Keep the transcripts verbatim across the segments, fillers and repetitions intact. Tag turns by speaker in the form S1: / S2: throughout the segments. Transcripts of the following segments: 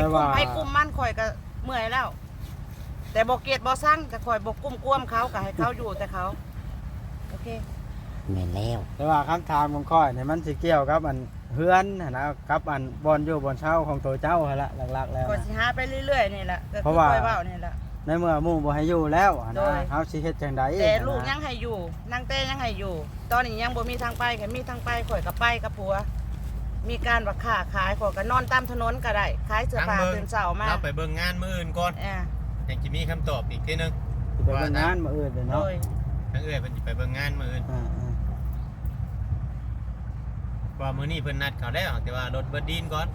S1: กุ้มให้กุ้มมันข่อยก็เมื่อยแล้วแต่บ่เกลียดบ่สั่งก็ข่อยบ่กุ้มกวมเขาก็ให้เขาอยู่แต่เขาโอเค
S2: แม่นแล้ว
S3: แต่ว่าคำถามของข้อยเนี่ยมันสิเกี่ยวกับอันเฮือนนะกับอันบอนอยู่บอนเช่าของตัวเจ้าหั่นละหลักๆแล้ว
S1: ข่อยสิหาไปเรื่อยๆนี่แหละก็คือข่อยเว้านี่แหละ
S3: ในเมื่อหมู่บ่ให้อยู่แล้วนะเฮาสิเฮ็ดจังได๋
S1: แต่ลูกยังให้อยู่นางเต้ยังให้อยู่ตอนนี้ยังบ่มีทางไปแค่มีทางไปข่อยก็ไปกับผัวมีการว่าค้าขายข่อยก็นอนตามถนนก็ได้ขายเสื้อผ้าตื่นเช้ามา
S4: เราไปเบิ่งงานมื้ออื่นก่อน
S1: เออ
S4: ยังสิมีคำตอบอีกทีนึง
S3: สิไปเบิ่งงานมื้ออื่นเนาะ
S4: ทั้งเอ้ยเพิ่นสิไปเบิ่งงานมื้ออื่นว่ามื้อนี้เพิ่นนัดเขาแล้วแต่ว่ารถเบิดดินก่อน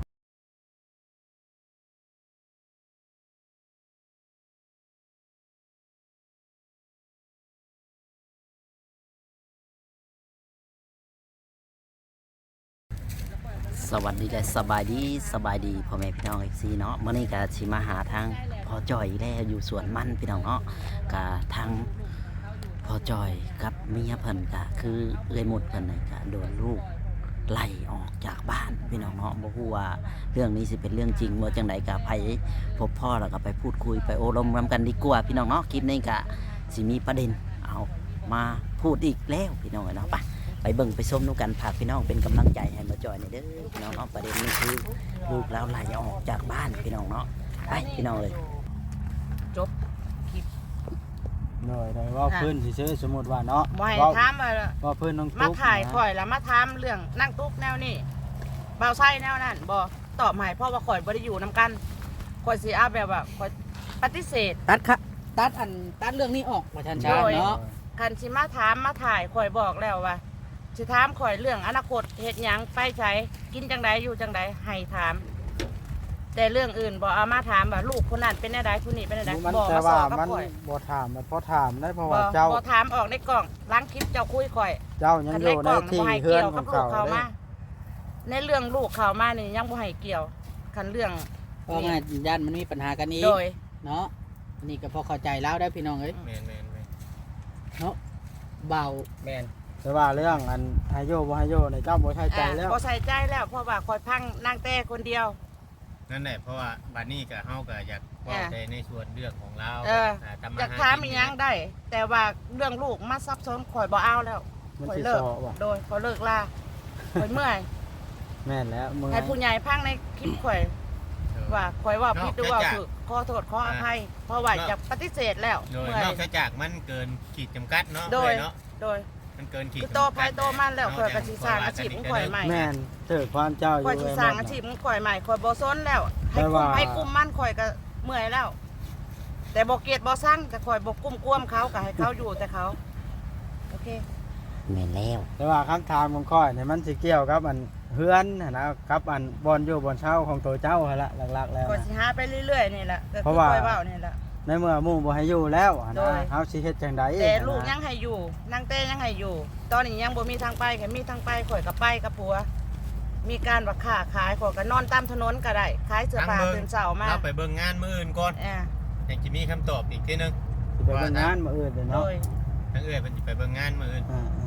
S2: สวัสดีและสบายดีสบายดีพ่อแม่พี่น้อง เอฟ ซี เนาะมื้อนี้ก็สิมาหาทางพ่อจ้อยแล้วอยู่สวนมันพี่น้องเนาะก็ทางพ่อจ้อยกับเมียเพิ่นก็คือเอื้อยหมุดเพิ่นน่ะก็โดนลูกไล่ออกจากบ้านพี่น้องเนาะบ่ฮู้ว่าเรื่องนี้สิเป็นเรื่องจริงบ่จังไดก็ไปพบพ่อแล้วก็ไปพูดคุยไปโอ้ลมรำกันดีกว่าพี่น้องเนาะคลิปนี้ก็สิมีประเด็นเอามาพูดอีกแล้วพี่น้องเนาะไปไปเบิ่งไปชมนูกันฝากพี่น้องเป็นกำลังใจให้มาจอยในเด้อพี่น้องเนาะประเด็นนี้คือลูกแล้วไล่ออกจากบ้านพี่น้องเนาะไปพี่น้องเลย
S1: จบคลิป
S3: หน่อยได้ว่าเพิ่นสิซื้อสมมุติว่าเนาะ
S1: บ่ให้ถามว่า
S3: ว่าเพิ่นน้องตุ๊ก
S1: มาถ่ายข่อยแล้วมาถามเรื่องนั่งตุ๊กแนวนี้เบาไส้แนวนั้นบ่ตอบให้เพราะว่าข่อยบ่ได้อยู่นํกันข่อยสิเอาแบบว่าข่อยปฏิเสธ
S2: ตัดค่ะตัดอันตัดเรื่องนี้ออกว่าชันชาเนาะ
S1: คันสิมาถามมาถ่ายข่อยบอกแล้วว่าสิถามข่อยเรื่องอนาคตเฮ็ดหยังไปไสกินจังไดอยู่จังไดให้ถามแต่เรื่องอื่นบ่เอามาถามว่าลูกคนนั้นเป็นแนวใดผู้นี้เป็นแนวใด
S3: บ่มาสอนกับข่อยบ่ถามมันพอถามได้เพราะว่าเจ้า
S1: บ่ถามออกในกล่องล้างคลิปเจ้าคุยข่อย
S3: เจ้ายังอยู่ในที่เฮือนของเขา
S1: มาในเรื่องลูกเขามานี่ยังบ่ให้เกี่ยวคันเรื่อง
S2: เพราะงั้นญาติมันมีปัญหากันนี้เนาะนี่ก็พอเข้าใจแล้วได้พี่น้องเอ้ย
S4: แม่นๆ
S2: เนาะเบา
S4: แม่น
S3: แต่ว่าเรื่องอันให้โยบ่ให้โยในเจ้าบ่ใส่ใจแล้ว
S1: บ่ใส่ใจแล้วเพราะว่าคอยพังนางแต่คนเดียว
S4: นั่นแหละเพราะว่าบัดนี้ก็เฮาก็อยากเว้าใจในส่วนเรื่องของเรา
S1: อยากถามอีหยังได้แต่ว่าเรื่องลูกมาซับซ้อนข่อยบ่เอาแล้วข่อยเลิกโดยข่อยเลิกลาข่อยเมื่อย
S3: แม่นแล้ว
S1: เมื่อยให้ผู้ใหญ่พังในคลิปข่อยว่าข่อยว่าผิดหรือว่าถูกขอโทษขออภัยเพราะว่าจะปฏิเสธแล้ว
S4: โดยนอกจากมันเกินขีดจำกัดเนาะ
S1: โดย
S4: เนาะ
S1: โดย
S4: มันเกินขีด
S1: โตไปโตมันแล้วข่อยก็สิสร้างอาชีพของข่อยใหม่
S3: แม่นเถิดความเจ้าอยู่
S1: ข่อยสิสร้างอาชีพของข่อยใหม่ข่อยบ่ซนแล้วให้กุ้มให้กุ้มมันข่อยก็เมื่อยแล้วแต่บ่เกลียดบ่สั่งก็ข่อยบ่กุ้มกวมเขาก็ให้เขาอยู่แต่เขาโอเค
S2: แม่นแล้ว
S3: แต่ว่าคำถามของข้อยเนี่ยมันสิเกี่ยวกับอันเฮือนนะกับอันบอนอยู่บอนเช่าของตัวเจ้าหั่นละหลักๆแล้ว
S1: ข่อยสิหาไปเรื่อยๆนี่แหละก็คือข่อยเว้านี่แหละ
S3: ในเมื่อหมู่บ่ให้อยู่แล้วนะเฮาสิเฮ็ดจังได๋
S1: แต่ลูกยังให้อยู่นางเต้ยังให้อยู่ตอนนี้ยังบ่มีทางไปแค่มีทางไปข่อยก็ไปกับผัวมีการว่าค้าขายข่อยก็นอนตามถนนก็ได้ขายเสื้อผ้าตื่นเช้ามา
S4: เราไปเบิ่งงานมื้ออื่นก่อน
S1: เออ
S4: ยังสิมีคำตอบอีกทีนึง
S3: สิไปเบิ่งงานมื้ออื่นเนาะ
S4: ทั้งเอ้ยเพิ่นสิไปเบิ่งงานมื้ออื่น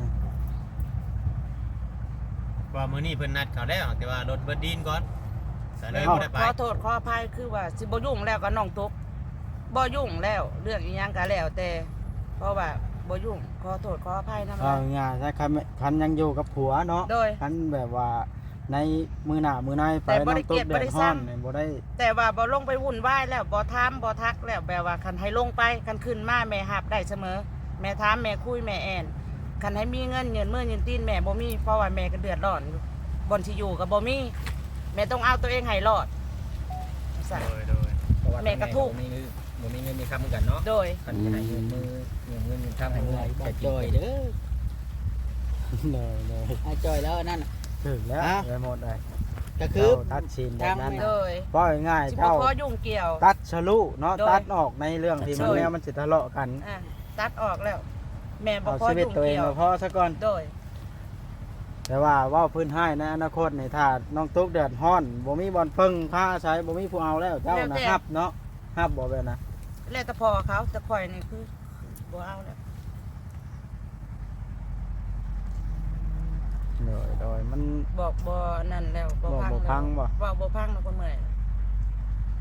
S4: ว่ามื้อนี้เพิ่นนัดเขาแล้วแต่ว่ารถเบิดดินก่อนก็เลยบ่ได้ไป
S1: ขอโทษขออภัยคือว่าสิบ่ยุ่งแล้วก็น้องตุ๊กบ่ยุ่งแล้วเรื่องอีหยังก็แล้วแต่เพราะว่าบ่ยุ่งขอโทษขออภัยนำ
S3: เอาง่ายๆถ้าคันยังอยู่กับผัวเนาะคันแบบว่าในมือหน้ามือในไปน้องตุ๊กเดือดร้อนบ่ได้
S1: แต่ว่าบ่ลงไปวุ่นวายแล้วบ่ถามบ่ทักแล้วแบบว่าคันให้ลงไปคันขึ้นมาแม่รับได้เสมอแม่ถามแม่คุยแม่แอนคันให้มีเงินเงินมื้อเงินตีนแม่บ่มีเพราะว่าแม่ก็เดือดร้อนอยู่บ่อนสิอยู่ก็บ่มีแม่ต้องเอาตัวเองให้รอด
S4: โดย
S1: แม่ก็ทุกข์
S4: บ่มีเงินมีคำเหมือนกันเนาะ
S1: โดย
S4: คันสิให้เงินมือเงินเงินคำให้เงิน
S2: แต่จอยเด้อ
S3: เลย
S2: ๆให้จอยแล้วนั่น
S3: ถึงแล้วไปหมดเลย
S2: ก็คือ
S3: ตัดชินแบบนั้น
S1: เลย
S3: บ่ง่ายเจ้า
S1: พอยุ่งเกี่ยว
S3: ตัดฉลุเนาะตัดออกในเรื่องที่มันแนวมันสิทะเลาะกัน
S1: ตัดออกแล้วแม่บ่พอ
S3: ยุ่งเกี่ยวพอซะก่อน
S1: โดย
S3: แต่ว่าว่าพื้นให้ในอนาคตในถ้าน้องตุ๊กเดือดร้อนบ่มีบอลพึ่งผ้าใช้บ่มีผู้เอาแล้วเจ้านะครับเนาะฮับบ่แบบนะ
S1: แล้วแต่พอเขาแต่ข่อยนี่คือบ่เอาแล้ว
S3: โดยโดยมัน
S1: บอกบ่นั่นแล้วบ่พัง
S3: บ่พังบ่
S1: ว่าบ่พังแล้วก็เมื่อย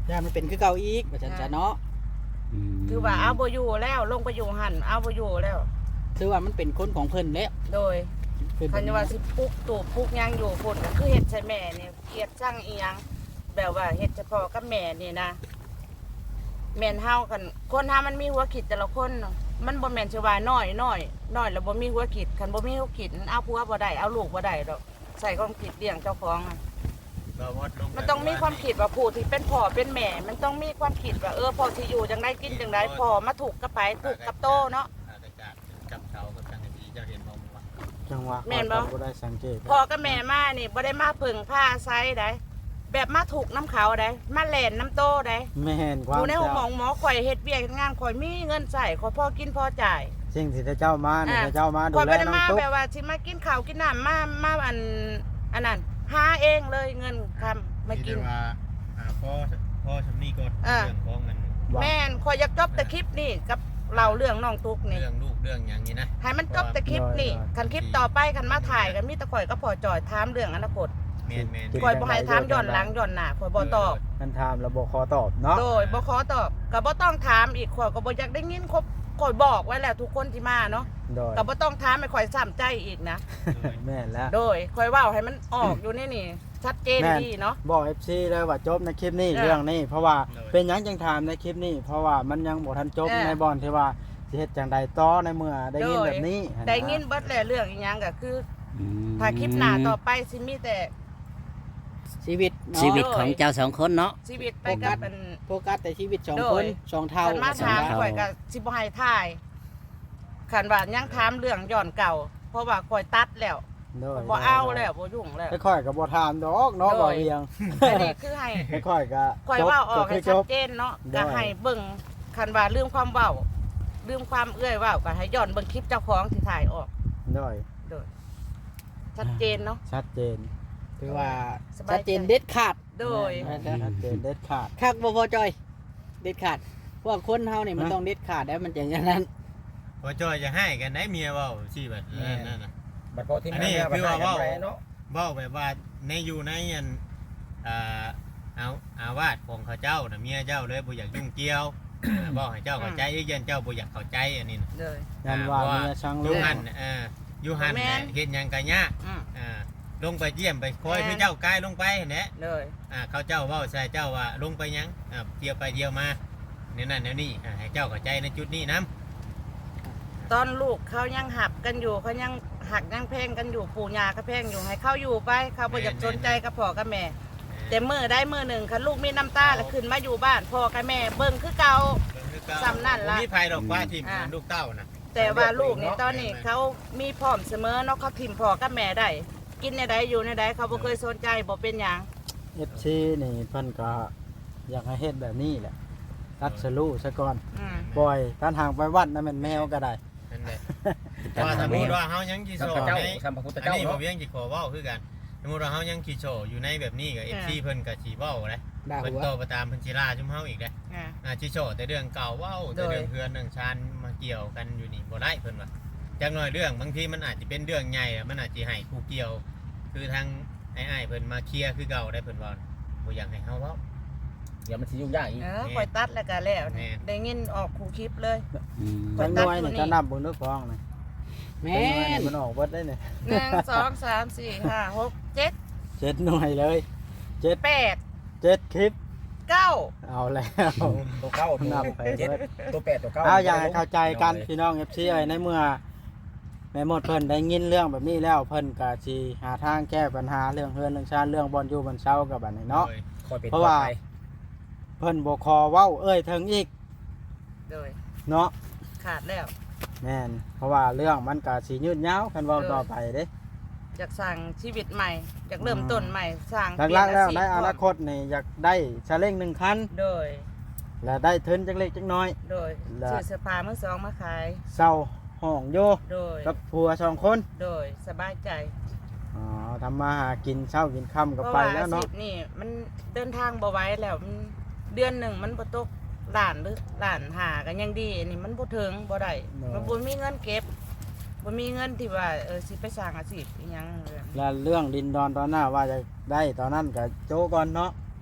S5: ย่ามันเป็นคือเก่าอีกว่าซั่นซะเนาะ
S2: ม
S1: คือว่าเอาบ่อยู่แล้วลงไปอยู่หั่นเอาบ่อยู่แล้ว
S5: คือว่ามันเป็นคนของเพิ่นแล้ว
S1: โดย
S5: เพิ่น
S1: คันว่าสิปลุกตู่ปลุกหยังอยู่พุ่นก็คือเฮ็ดใส่แม่นี่เกลียดช่างอีหยังแบบว่าเฮ็ดเฉพาะกับแม่นี่นะแม่นเฮากันคนเฮามันมีหัวคิดแต่ละคนเนาะมันบ่แม่นสิว่าน้อยน้อยน้อยแล้วบ่มีหัวคิดคันบ่มีหัวคิดเอาผัวบ่ได้เอาลูกบ่ได้ดอกใส่ความคิดเลี้ยงเจ้าของอะ
S4: บ่วดลงไป
S1: มันต้องมีความคิดว่าผู้ที่เป็นพ่อเป็นแม่ มันต้องมีความคิดว่าเออพ่อที่อยู่จังได้กินจังได้พ่อมาถูกกับไปถูกกับโตเนาะ
S4: อากาศจับเสากับจังสีเจ้าเห็นบ่ว่า
S3: จังหวะ
S1: แม่นบ่
S3: ข้อยก็บ่ได้สังเกต
S1: พ่อกับแม่มานี่บ่ได้มาพึ่งผ้าไซได้แบบมาถูกน้ำเขาได้มาแล่นน้ำโตได้
S3: แม่นค
S1: อ
S3: วาม
S1: ยู่ในห้องหมอ
S3: เจ้า
S1: หมอข่อยเฮ็ดเวียกเฮ็ดงานข่อยมีเงินใส่ข่อยพอกินพอจ่าย
S3: สิ่งที่เจ้ามานี่
S1: อ่ะ
S3: เจ้ามาดู
S1: ข่อย
S3: แล
S1: บ่ได้
S3: น้อง
S1: มา
S3: ตุ๊ก
S1: แบบว่าสิมากินข้าวกินน้ำมามาอันอันนั้นหาเองเลยเงินคำมากิน
S4: ที่ได้ว่าอ่าพ่อพ่อชำนี่ก็
S1: อ่า
S4: เรื่องของมัน
S3: ว่า
S1: แม่นข่อยอยากจบแต่คลิปนี่กับเล่าเรื่องน้องตุ๊กนี่
S4: เรื่องลูกเรื่องอย่างนี้นะ
S1: ให้มันจบแต่คลิปนี่คันคลิปต่อไปคันมาถ่ายกันมีแต่ข่อยก็พอจอยถามเรื่องอนาคต
S4: แม่นแม่น
S1: ข่อยบ่ให้ถามย้อนหลังย้อนหน้าข่อยบ่ตอบ
S3: มันถามแล้วบ่ขอตอบเนาะ
S1: โดยบ่ขอตอบก็บ่ต้องถามอีกข่อยก็บ่อยากได้ยินครบข่อยบอกไว้แล้วทุกคนที่มาเนาะ
S3: โดย
S1: ก็บ่ต้องถามให้ข่อยซ้ำใจอีกนะ
S3: แม่นแล้ว
S1: โดยข่อยเว้าให้มันออกอยู่ในนี่ชัดเจน
S3: แม่น
S1: ดีเนาะ
S3: บอก เอฟ ซี เลยว่าจบในคลิปนี้
S1: เออ
S3: เรื่องนี้ เพราะว่าเป็นหยังจังถามในคลิปนี้ เพราะว่ามันยังบ่ทันจบ
S1: เออ
S3: ในบอนที่ว่าสิเฮ็ดจังใดต่อในเมื่อได้ยิน
S1: โดย
S3: แบบนี้
S1: ได้ยินเบิดแล้วเรื่องอีหยังก็คือ
S2: อืม
S1: ถ้าคลิปหน้าต่อไปสิมีแต่
S5: ชีวิตเนาะ
S2: ชีวิตของเจ้าสองคนเนาะ
S1: ชีวิตไปกับเป็น
S5: โฟกัสแต่ชีวิตสอง
S1: โด
S5: ค
S1: ย
S5: นสองเท่า
S1: คันมา
S2: สอง
S1: ถาม
S2: เท่า
S1: ข่อยก็สิบ่ให้ถ่ายคันว่ายังถามเรื่องย้อนเก่า เพราะว่าข่อยตัดแล้ว
S3: โดย
S1: บ่เอาแล้วบ่ยุ่งแล้ว
S3: ค่อยๆก็บ่ถามดอกเนาะ
S1: โดย
S3: บ่เรียง
S1: อันนี้คือให้
S3: ค่อยๆก็
S1: ข่อย
S3: จบ
S1: เว่าออก
S3: ก็
S1: ให้
S3: คือจ
S1: ชัด
S3: บ
S1: เจนเนาะ
S3: ได้
S1: ก็ให้เบิ่งคันว่าลืมความเว้าลืมความเอื้อยเว้าก็ให้ย้อนเบิ่งคลิปเจ้าของที่ถ่ายออก
S3: โดย
S1: โดยชัดเจนเนาะ
S3: ชัดเจน
S5: คือว่า
S1: สบายใจ
S5: ชัดเจนเด็ดขาด
S1: โดย
S3: แม่นชัดเจนเด็ดขาด
S5: คักบ่พอจอย เด็ดขาดเพราะว่าคนเฮานี่มัน
S3: ฮะ
S5: ต้องเด็ดขาดแล้วมันจะอย่างนั้น
S4: พอจอยจะให้กันได้เมียเว้าสิแบบนั้นนั่นน่ะ
S6: บัดพอที่
S4: อันนี้คือว่า
S6: เว้า
S4: เว้า
S6: เนาะ
S4: เว้าแบบว่าในอยู่ในอันอ่าเอาอาวาสของเขาเจ้าน่ะเมียเจ้าเลยบ่อยากยุ่งเกี่ยวอ่าบอกให้เจ้าเข้าใจอีกยันเจ้าบ่อยากเข้าใจอันนี้น่ะ
S1: เลย
S3: ยันว่า
S4: อ่า
S3: เมียช่าง
S4: อ
S3: ลู
S4: ยู่
S3: ก
S4: หันเอออยู่หัน
S1: แม่น
S4: เฮ็ดหยังก็ยาก
S1: อืม
S4: อ่าลงไปเยี่ยมไปคอย
S1: แม่น
S4: คือเจ้ากายลงไปแหละ
S1: เลย
S4: อ่าเขาเจ้าเว้าใส่เจ้าว่าลงไปหยังอ่าเที่ยวไปเที่ยวมาเนี่ยนั่นแนวนี้อ่าให้เจ้าเข้าใจในจุดนี้นํ
S1: ตอนลูกเขายังหักกันอยู่เขายังหักยังแพงกันอยู่ปู่ย่าก็แพงอยู่ให้เขาอยู่ไปเขาบ่อยากสนใจกับพ่อกับแม่ แต่มือได้มือหนึ่งคันลูกมีน้ำตาแล้วขึ้นมาอยู่บ้านพ่อกับแม่เบิ่งคือเก่า ซ้ำนั่นล่ะ
S4: มีภัยดอกว่าที่
S1: อ่า
S4: ลูกเต้านะ
S1: แต่ว่าลูกนี่ตอนนี้เขามีพร้อมเสมอเนาะเขาทิมพ่อกับแม่ได้กินในใดอยู่ในใดเขาบ่เคยสนใจบ่เป็นหยัง
S3: เอฟซีนี่เพิ่นก็อยากให้เฮ็ดแบบนี้แหละตัดสลูซะก่อน
S1: อืม
S3: ปล่อยการห่างไปวัดนั่นแม่นแมวก็ได้
S4: นั่นแหละ
S2: แต่
S4: ว่า
S2: ทา
S4: ส
S2: ง
S4: มม
S2: นี้
S4: ติว่าเฮายังกี่
S6: สั
S4: โช
S6: มพ
S4: ว์
S6: เจ้า
S4: ใน
S6: สัมพพุทธ
S4: อัน
S6: เจ้า
S4: นี้บ่
S6: เนาะ
S4: เวียงกี่ขอเว้าคือกันสมมุติว่าเฮายังกี่โชว์อยู่ในแบบนี้กับ เอฟ ซี เพิ่นก็สิเว้าแหละ
S5: ด่า
S4: เพิ่น
S5: หัว
S4: โตไปตามเพิ่นสิล่าชุมเฮาอีกเด้
S1: อ่า
S4: อ่าสิโชว์แต่เรื่องเก่าเว้าแต่เรื่องเพื่อนเรื่องชานมาเกี่ยวกันอยู่นี่บ่ได้เพิ่นว่าจักหน่อยเรื่องบางทีมันอาจจะเป็นเรื่องใหญ่อะมันอาจสิให้ผู้เกี่ยว คือทางไอ้ายๆเพิ่นมาเคลียร์คือเก่าได้เพิ่นว่าบ่อยากให้เฮาเว้า
S6: เดี๋ยวมันสิยุ่งยากอีก
S1: เออปล่อยตัดแล้วก็แล้ว
S4: แม่
S1: ได้ยินออกคู่คลิปเลย
S2: อืม
S1: ปล่
S3: จั
S1: อย
S3: ง
S1: ตัด
S3: น้อย
S1: อยู่
S3: นี่
S1: นี่
S3: จะนับเบิ่งนึกฟ้องนี่
S5: แม่
S3: จังน้อยนี่
S5: น
S3: มันออกเบิดได้นี่
S1: หนึ่งสองสามสี่ห้าหกเจ็ด
S3: เจ็ดหน่วยเลยเจ็ด
S1: แปด
S3: เจ็ดคลิป
S1: เก้า
S3: เอาแล้ว
S6: ตัวเก้าตัว
S3: นับไป
S6: เจ็ด
S3: เบิด
S6: ตัวแปดตัวเก้า
S3: เอาอย่างให้เข้าใจกันพี่น้อง เอฟ ซี เอ้ยในเมื่อแม่หมดเพิ่นได้ยินเรื่องแบบนี้แล้วเพิ่นก็สิหาทางแก้ปัญหาเรื่องเฮือนเรื่องชาติเรื่องบ่อนอยู่บ่อนเช่ากับบัดนี้เนาะ
S4: โดย
S6: คอยเป็น
S3: เพราะว่า
S6: ต่อไป
S3: เพิ่นบ่คอเว้าเอ้ยถึงอีก
S1: โดย
S3: เนาะ
S1: ขาดแล้ว
S3: แม่นเพราะว่าเรื่องมันก็สิยืดยาวคันเว้า
S1: เออ
S3: ต่อไปเด้
S1: อยากสร้างชีวิตใหม่อยากเริ่มต้นใหม่สร้าง
S3: หลักๆแล้ว
S1: เป
S3: ใน
S1: ยน
S3: อ
S1: อาชีพ
S3: นาคตนี่อยากได้ชาเล้งหนึ่งคัน
S1: โดย
S3: และได้ทุนจักเล็กจักน้อย
S1: โดย
S3: และ
S1: ซื้อเสื้อผ้ามือสองมาขาย
S3: เศร้าห้องโย
S1: โดย
S3: กับผัวสองคน
S1: โดยสบายใจ
S3: อ๋อทำมาหากินเช้ากินค่ำก็
S1: เพราะ
S3: ไป
S1: ว่า
S3: แล้
S1: อาว ชี
S3: เนาะ
S1: พนี่มันเดินทางบ่ไหว้แล้วมันเดือนหนึ่งมันบ่ตกล้านหรือล้านหากันยังดีอันนี้มันบ่ถึงบ่ได้มันบ่มีเงินเก็บบ่มีเงินที่ว่าเออสิไปสร้างอาชีพอีหยังเลย
S3: และเรื่องดินดอนตอนหน้าว่าจะได้ตอนนั้นก็โจก่อนเนาะ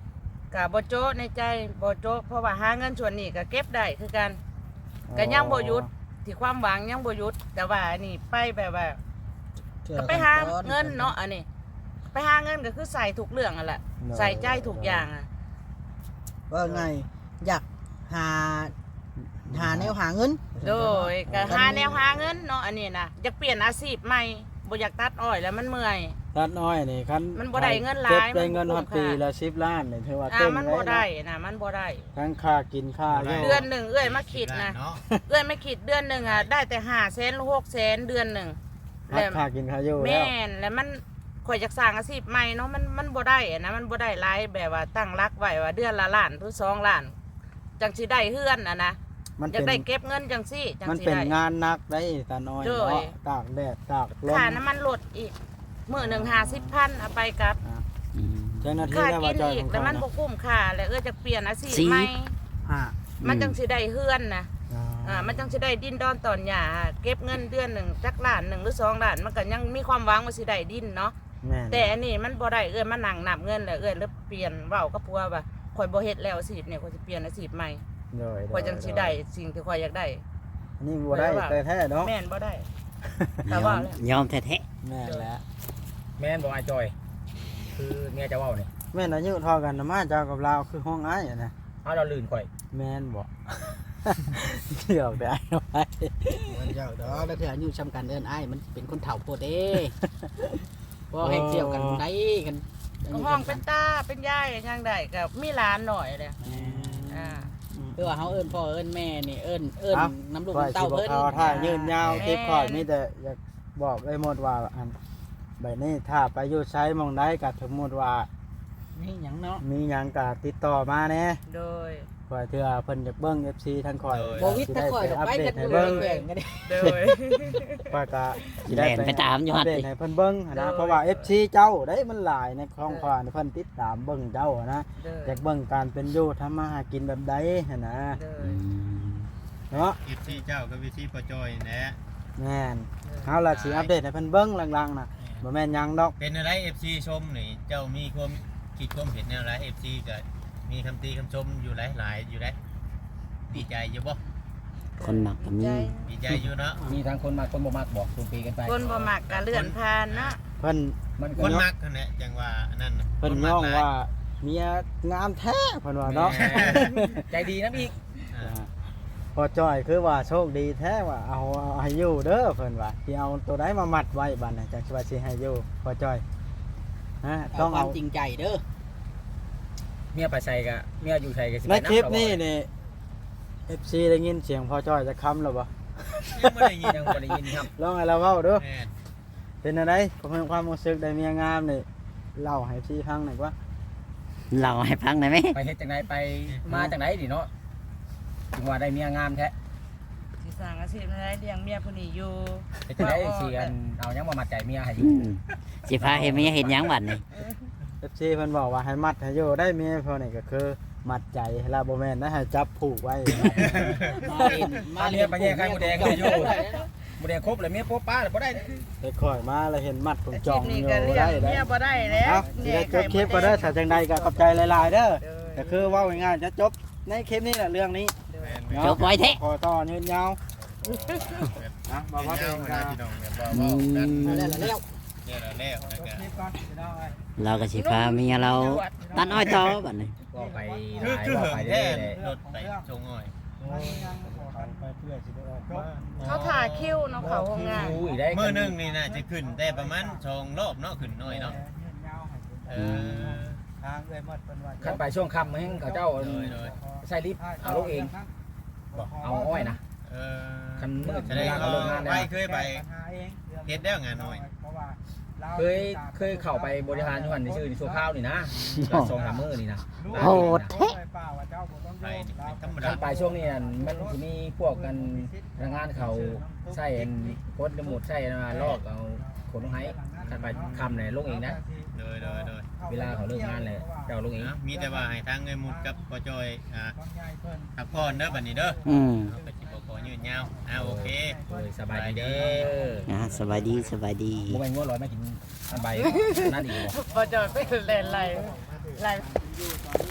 S1: ก็บ่โจ๊ะในใจบ่โจ๊ะเพราะว่าหาเงินส่วนนี้ก็เก็บได้คือกันก็ยังบ่หยุดที่ความหวังยังบ่หยุดแต่ว่าอันนี้ไปแบบว่าก็ไปหาเงินเนาะอันนี้ไปหาเงินก็คือใส่ทุกเรื่องอ่ะแหละใส่ใจทุกอย่างอ่ะ
S5: ว่าไงอยากหาหาแนวหาเงิน
S1: โดยก็หาแนวหาเงินเนาะอันนี้นะอยากเปลี่ยนอาชีพใหม่บ่อยากตัดอ้อยแล้วมันเมื่อย
S3: ตัดน้อยนี่คัน
S1: มันบ่ได้เงินหลาย
S3: เก็บได้เงิน
S1: มันบ่
S3: ฮอด
S1: คุ้ม
S3: ปี
S1: ค่า
S3: ละสิบล้านนี่ถือว่า
S1: อ่า
S3: เต็ม
S1: มัน
S3: เลย
S1: บ่ได้นะมันบ่ได้
S3: ทั้งค่ากินค่าอยู่
S1: เดือนหนึ่งเอ้ยมาคิดนะ
S4: เนาะ
S1: เอ้ยไม่คิดเดือนหนึ่งอ่ะได้แต่ห้าแสนหรือหกแสนเดือนหนึ่ง
S3: หักค่ากินค่าอยู่แล้ว
S1: แม่นแล้วมันข่อยอยากสร้างอาชีพใหม่เนาะมันมันบ่ได้อะนะมันบ่ได้หลายแบบว่าตั้งรักไว้ว่าเดือนละล้านหรือสองล้านจังสิได้เฮือนอ่ะนะ
S3: มัน
S1: อยาก
S3: เป็น
S1: ได้เก็บเงินจังซี่จัง
S3: มัน
S1: สิ
S3: เป็น
S1: ได้
S3: งานหนักได้ตาน้อย
S1: โดย
S3: เนาะตากแดดตากลม
S1: ค่าน้ำมันลดอีกมื้อหนึ่งห้าสิบพันเอาไปกลับ
S2: อืม
S3: เจ้าหน้าที่
S1: ค่า
S3: ได้
S1: กิ
S3: ว่าน จอย
S1: อี
S3: ข
S1: ก
S3: อง
S1: แล้ว
S3: เขา
S1: มัน
S3: นะ
S1: บ่คุ้มค่าแล้วเอ้ยจะเปลี่ยนอาชีพ
S2: สิ
S1: ใหม่
S5: อ่า
S1: มันจังสิได้เฮือนนะ
S3: อ่า
S1: อ่ามันจังสิได้ดินดอนตอนหญ้าเก็บเงินเดือนหนึ่งจักล้านหนึ่งหรือสองล้านมันก็ยังมีความหวังว่าสิได้ดินเนาะ
S3: แม่น
S1: แต่อันนี้มันบ่ได้เอ้ยมันนั่งนับเงินแล้วเอ้ยแล้วเปลี่ยนเว้ากับผัวว่าข่อยบ่เฮ็ดแล้วอาชีพเนี่ยข่อยสิเปลี่ยนอาชีพใหม่
S3: โดย
S1: ข่อยจังสิได้สิ่งที่ข่อยอยากได้
S3: อันนี้บ่ได้แต่แท้เนาะ
S1: แม่นบ่ได้
S2: ย
S1: แต่
S2: อ
S1: ว่าม แล้ว
S2: ยอมแท้
S3: แม่นแล้ว
S6: แม่นบอกไอ้จอย คือเมียจะเว้านี่
S3: แม่นอายุเท่ากันนะมาเจ้ากับเราคือห้องอ้ายอะนะ
S6: เอาเราลื่นข่อย
S3: แม่นบ่ เกี่ยวได้ไว้
S5: มันเจ้าดอกแล้วเถื่ออายุซ้ำกันเอิ้นอ้ายมันเป็นคนเฒ่าโพดเด้บ่ให้เที่ยวกันได้กัน
S1: ก็ห้องเป็นตาเป็นยายยังได้ก็มีหลานหน่อยเลยอ่า
S5: คือว่าเฮาเอิ้นพ่อเอิ้นแม่นี่เอิ้นเอิ้นน้ำลูก
S3: ข่อย
S5: น้ำ
S3: สิ
S5: เต้า
S3: บ่
S5: เพิ่น
S3: เขาถ้ายืนยาว
S1: แม่น
S3: คลิปข่อยมีแต่อยากบอกไอ้หมดว่าอันแบบนี้ถ้าไปอยู่ใช้หมองใดก็สมมุติว่า
S5: นี่หยังเนาะ
S3: มีหยังก็ติดต่อมาแหน่
S1: โดย
S3: ข่อยเทื่อเพิ่นอยากเบิ่ง เอฟ ซี ทั้งข่อย
S5: บ่วิทย์ถ้าข่อยดอกไปกัน
S3: ให้
S5: เล
S3: เบิ่
S5: ย
S3: ง
S5: แข่งกันเด้
S1: โดย
S3: ข่อยก็
S2: ๆแล่นไปตามอยู่
S3: อั
S2: หั่
S3: ป
S2: น
S3: เดต
S2: ติ
S3: ให้เพิ่นเบิ่งหั้นนะ
S1: โดย
S3: เพราะว่า เอฟ ซี เจ้าได้มันหลายในของข่อยเพิ่นติดตามเบิ่งเจ้าอะนะ
S1: โดย
S3: อยากเบิ่งการเป็นอยู่ทำมาหากินแบบใดหั่นนะ
S1: โด
S2: อื
S1: ย
S2: ม
S3: เนาะ
S4: อีฟซีเจ้ากับวิซีปอจอยแหละ
S3: แม่นเฮาล่ะสิอัปเดตให้เพิ่นเบิ่งหลังๆน่ะบ่แม่นหยังดอก
S4: เป็นอะไร เอฟ ซี ชมนี่เจ้ามีความคิดความเห็นแนวไร เอฟ ซี ก็มีคำตีคำชมอยู่หลายๆอยู่ได้ดีใจอยู่บ่
S2: คนมักก็มี
S4: ดีใจอยู่เนาะ
S6: มีทางคนมาคนบ่มากบอกคุณปีกันไป
S1: คนบ่มักก็เลื่อนผ่านเนาะ
S3: เพิ่น
S6: มัน
S4: ค
S6: ก็
S4: นมักนั่นแหละจังว่าอันนั้นน่ะ
S3: เพิ่น
S4: ค
S3: ย่อง
S4: หลย
S3: ว่าเมียงามแท้เพิ่นว่าเนาะ
S6: แหม่ใจดีนะอีก
S4: อ่า
S3: พอจ้อยคือว่าโชคดีแท้ว่าเอาเอาให้อยู่เด้อเพิ่นว่าที่เอาตัวใดมามัดไว้บัดน่ะจักสิว่าสิให้อยู่พอจ้อยฮะ
S5: ต้
S3: ต้
S5: อ
S3: อง ง
S5: ควา
S3: เอา
S5: มจริงใจเด้อ
S6: เมียไปใส่กะเมียอยู่ใส่กะสิ
S3: ใน
S6: ไป
S3: คลิป
S6: ำ
S3: นี้นี่ เอฟ ซี ได้ยินเสียงพอจ้อยจะค้ำแล้วบ่
S4: ยังไม่ได้ยิน
S6: ยังบ่ได้ยินครับ
S3: ลองให้เราเว้าเด้อ
S4: แม่น
S3: เป็นอะไรผมมีความรู้สึกได้เมียงามนี่เล่าให้ เอฟ ซี ฟังหน่อยว่า
S2: เราให้ฟังได้ไหม
S6: ไปเฮ็ดจังไดไปมาจังไดดิเนาะถึงว่าได้เมียงามแท้
S1: สิสร้างอาชีพให้ได้เลี้ยงเมียผู้นี้อยู่
S6: เฮ็ดจังไดสิอันเอาหยังมามัดใจเมียให้อยู่
S2: อืมสิพาเฮ็ดเมียเฮ็ดหยังบัดนี้
S3: เอฟ ซี เพิ่นบอกว่าให้มัดให้อยู่ได้เมียพอนี่ก็คือมัดใจให้เราบ่แม่นนะให้จับผูกไว้
S5: มาเล่นมาเล่น
S6: ไปแย่ไข่มดแดงเลยอยู่บ่ได้ครบเลยเมียโป๊ะป้าเลยบ่ได้
S3: ไปค่อยมาแล้วเห็นมัดผม
S1: อา
S3: จ
S1: ชี
S3: อ
S1: พ
S3: ง
S1: นี้
S3: อยู่
S1: ก็เลี้ย
S3: ได้
S1: ง
S3: ได้
S1: เมียบ่ได้แล้ว
S3: เอ้าสิได้จบคลิปก็ได้อถ้าจังใดก็ขอบใจหลายๆเด้อ
S1: โดย
S3: ก็คือเว้าง่ายๆจะจบในคลิปนี้แหละเรื่องนี้
S4: แม่น
S3: เนาะ
S2: จบไว้แท้
S3: ขอต่อยืนยาวนะบ่
S4: ๆ
S3: ว่า
S4: เดี๋
S3: เอ
S4: ยว
S3: ง
S4: นะ
S3: ก็
S4: พี่น้องเนี่ยว่าว่ากัน
S5: มาแล้วแล้ว
S4: เนี่ยเราแล้วแล้วก็
S3: คลิปก่อนพี่น้องเอ้ย
S2: เราก็สิพาเมียเราตัดอ้อยต่อบัดนี้
S6: ก็ไปห
S4: คือ
S6: ลาย
S4: คือ
S6: ว่า
S4: เหิ
S6: ไป
S4: ง
S6: เรื่
S4: แท้
S6: อยๆเลย
S4: รถไปชงอ้อย
S3: ไปเพื่อสิได้ออกมา
S1: เขาถ่าคิวเนาะเขาโรงงาน
S6: อู้อีกได้
S4: มื้อหนึงนี่น่าจะขึ้นได้ประมาณสองรอบเนาะขึ้นน้อยเนาะเออ
S3: ทางเอ้ยหมดเพิ่นว่า
S6: คันไปช่วงค่ำแห่งเขาเจ้า
S4: โดยโดย
S6: ใส่ลิฟต์เอาลูกเองเอาอ้อยนะ
S4: เออ
S6: คันมืด
S4: แสดง
S6: เวลาเขาเลิกงานแล้ว
S4: ไปเคยไป เฮ็ดแล้วงานน้อย
S6: เคยเคยเข้าไปบริหารอยู่หันในชื่อในชั่วข้าวนี่นะก็สองสามมื้อนี่นะ
S2: โหดแท้
S4: ไปนี่ไม่ธรรมดา
S6: คันไปช่วงนี้อันมันจะมีพวกกันแรงงานเขาใส่อันกดหมดใส่มาลอกเอาขนลงให้คันไปคำเนี่ยลงเองนะ
S4: โดยโดยโดย
S6: เวลาเขาเลิกงานเลยเจ้าลงเอง
S4: นะมีแต่ว่าให้ทางเงินมุดกับปอจอยอ่าพักผ่อนเด้อบัดนี้เด้อ
S2: อืม
S4: เอาไปสิบ่ขอยืดยาวอ่าโอเค
S6: โอ้ยสบายดีเด้อ
S2: อ่าสบายดีสบายดี
S6: บ่แม่นงัวร้อยไม่กินอันใบนั่นอีกบ่
S1: บ่จอยไปเล่นไรไร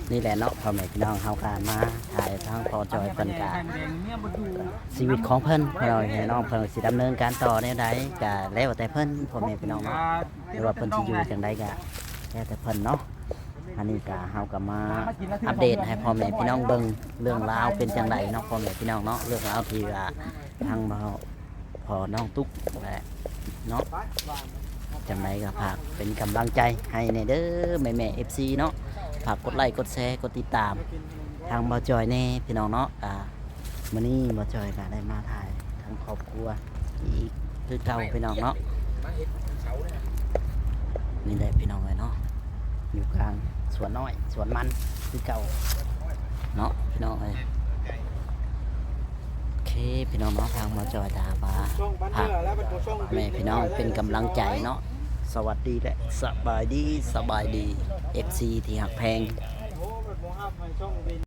S2: นี่แหละเนาะพ่อแม่พี่น้องเฮาการมาถ่ายทางพอจอยเพิ่นกะชีวิตของเพิ่นพ่อแม่พี่น้องเพิ่นสิดำเนินการต่อแนวใดก็แล้วแต่เพิ่นพ่อแม่พี่น้องเนาะหรือว่าเพิ่นสิอยู่จังใดก็แล้วแต่เพิ่นเนาะอันนี้ก็เฮาก็มาอัปเดตให้พ่อแม่พี่น้องเบิ่งเรื่องราวเป็นจังไดเนาะพ่อแม่พี่น้องเนาะเรื่องราวที่ว่าทางเราพอน้องตุ๊กแหละเนาะจังไดก็ฝากเป็นกำลังใจให้ในเด้อแม่แม่ เอฟ ซี เนาะฝากกดไลค์กดแชร์กดติดตามทางบ่าวจอยแน่พี่น้องเนาะอ่ามื้อนี้บ่าวจอยก็ได้มาถ่ายทางครอบครัวอีกคือเก่าพี่น้องเนาะนี่แหละพี่น้องเลยเนาะอยู่กลางสวนน้อยสวนมันคือเก่าเนาะพี่น้องเลยโอเคพี่น้องเนาะทางบ่าวจอยตาบา
S3: ช่องบ้านเรือแล้วเป็นช่อง
S2: แม่พี่น้องเป็นกำลังใจเนาะสวัสดีและสบายดีสบายดี เอฟ ซี ที่หักแพง
S3: โอ้เป็นบ่ฮับให้ช่อง